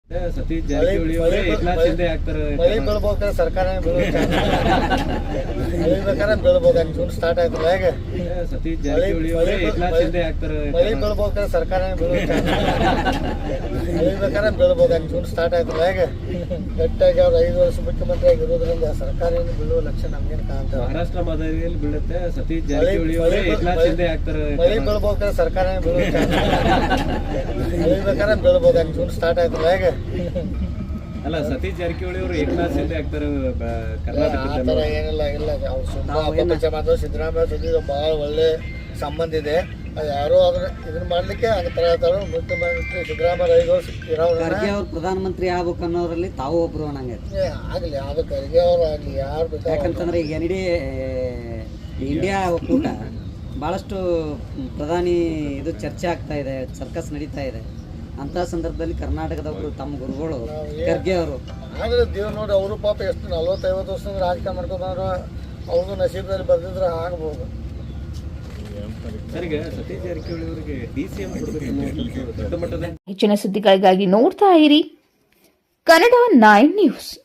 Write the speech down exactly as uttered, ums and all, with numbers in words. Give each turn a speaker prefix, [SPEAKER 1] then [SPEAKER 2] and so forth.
[SPEAKER 1] ಸತೀಶ್ ಜಾರಕಿಹೊಳಿ ಅವರೇ ಏಕನಾಥ್ ಶಿಂದೆ ಆಗ್ತಾರೆ.
[SPEAKER 2] ಮಳೆ ಬೀಳ್ಬೇಕಾದ್ರೆ ಸರ್ಕಾರನೇ ಬೀಳಬೇಕಾದ್ರೆ ಬೀಳ್ಬೇಕು ಜೂನ್ ಸ್ಟಾರ್ಟ್ ಆಯ್ತಲ್ಲ ಹೇಗೆ
[SPEAKER 1] ಸತೀಶ್ ಜಾರಕಿಹೊಳಿ ಅವರೇ ಏಕನಾಥ್ ಶಿಂದೆ ಆಗ್ತಾರೆ.
[SPEAKER 2] ಮಳೆ ಬೀಳ್ಬೇಕಾದ್ರೆ ಸರ್ಕಾರನೇ ಬೀಳಬೇಕಾದ್ರೆ ಬೀಳ್ಬೇಕು ಜೂನ್ ಸ್ಟಾರ್ಟ್ ಆಯ್ತಲ್ಲ ಹೇಗೆ ಗಟ್ಟಿಯಾಗಿ ಅವ್ರು ಐದು ವರ್ಷ ಮುಖ್ಯಮಂತ್ರಿ ಆಗಿರೋದ್ರಿಂದ ಸರ್ಕಾರ ಏನು ಬೀಳುವ ಲಕ್ಷಣ ನಮ್ಗೇನು ಕಾಣ್ತೇವೆ.
[SPEAKER 1] ಮಹಾರಾಷ್ಟ್ರ ಮಾದರಿಯಲ್ಲಿ ಬೀಳುತ್ತೆ. ಸತೀಶ್ ಜಾರಕಿಹೊಳಿ ಅವರೇ ಏಕನಾಥ್ ಶಿಂದೆ ಆಗ್ತಾರೆ.
[SPEAKER 2] ಮಳೆ ಬೀಳ್ಬೇಕಾದ್ರೆ ಸರ್ಕಾರನೇ ಬೀಳಬೇಕಾದ್ರೆ ಬೀಳ್ಬೇಕು ಜೂನ್ ಸ್ಟಾರ್ಟ್ ಆಯ್ತಲ್ಲ ಹೇಗೆ
[SPEAKER 1] ಅಲ್ಲ ಸತೀಶ್ ಜಾರಕಿಹೊಳಿ ಅವರು ಏಕನಾಥ್ ಶಿಂದೆ ಆಗ್ತಾರೆ
[SPEAKER 2] ಆತರ
[SPEAKER 1] ಕರ್ನಾಟಕದಲ್ಲಿ.
[SPEAKER 2] ಏನಿಲ್ಲ ಇಲ್ಲ ಅವ್ರು ಸುಮ್ಮನೆ ಅಪಪ್ರಚಾರ ಮಾಡಿದ್ರು. ಸಿದ್ದರಾಮಯ್ಯ ಜೊತೆ ಬಹಳ ಒಳ್ಳೆ ಸಂಬಂಧ ಇದೆ. ಅದು ಯಾರೋ ಅದನ್ನ ಇದನ್ನ ಮಾಡ್ಲಿಕ್ಕೆ ಹಂಗ ತರ ಹೇಳ್ತಾರೆ. ಮುಖ್ಯಮಂತ್ರಿ ಸಿದ್ದರಾಮಯ್ಯ ಐದು ವರ್ಷ
[SPEAKER 3] ಖರ್ಗೆ ಅವ್ರು ಪ್ರಧಾನಮಂತ್ರಿ ಆಗ್ಬೇಕು ಅನ್ನೋದ್ರಲ್ಲಿ ತಾವು ಒಬ್ರು ಅನ್ನಂಗೆ
[SPEAKER 2] ಆಗ್ಲಿ ಯಾವ್ದು ಖರ್ಗೆ ಅವ್ರು ಆಗ್ಲಿ ಯಾರು ಬೇಕಾದ್ರೆ.
[SPEAKER 3] ಯಾಕಂತಂದ್ರೆ ಈಗ ಎನ್ ಡಿ ಇಂಡಿಯಾ ಒಕ್ಕೂಟ ಭಾಳಷ್ಟು ಪ್ರಧಾನಿ ಇದು ಚರ್ಚೆ ಆಗ್ತಾ ಇದೆ, ಸರ್ಕಸ್ ನಡೀತಾ ಇದೆ. ಅಂತ ಸಂದರ್ಭದಲ್ಲಿ ಕರ್ನಾಟಕದವರು ತಮ್ಮ ಗುರುಗಳು ಖರ್ಗೆ ಅವರು
[SPEAKER 2] ಆದ್ರೆ ದೇವ್ ನೋಡಿ ಅವರು ಪಾಪ ಎಷ್ಟು ನಲ್ವತ್ತೈವತ್ತು ವರ್ಷದಿಂದ ರಾಜಕಾರಣ ಮಾಡ್ಕೊಂಡ್ರು. ಅವ್ರದ್ದು ನಸೀಬದಲ್ಲಿ ಬರ್ದಿದ್ರೆ ಆಗ್ಬೋದು.
[SPEAKER 1] ಸರಿಗೆ ಸತೀಶ್ ಜಾರಕಿಹೊಳಿ ಅವರಿಗೆ ಡಿ ಸಿ ಎಂ ಕೊಡಬೇಕು ದೊಡ್ಡ ಮಟ್ಟದ.
[SPEAKER 4] ಹೆಚ್ಚಿನ ಸುದ್ದಿಗಳಿಗಾಗಿ ನೋಡ್ತಾ ಇರಿ ಕನ್ನಡ ನೈನ್ ನ್ಯೂಸ್.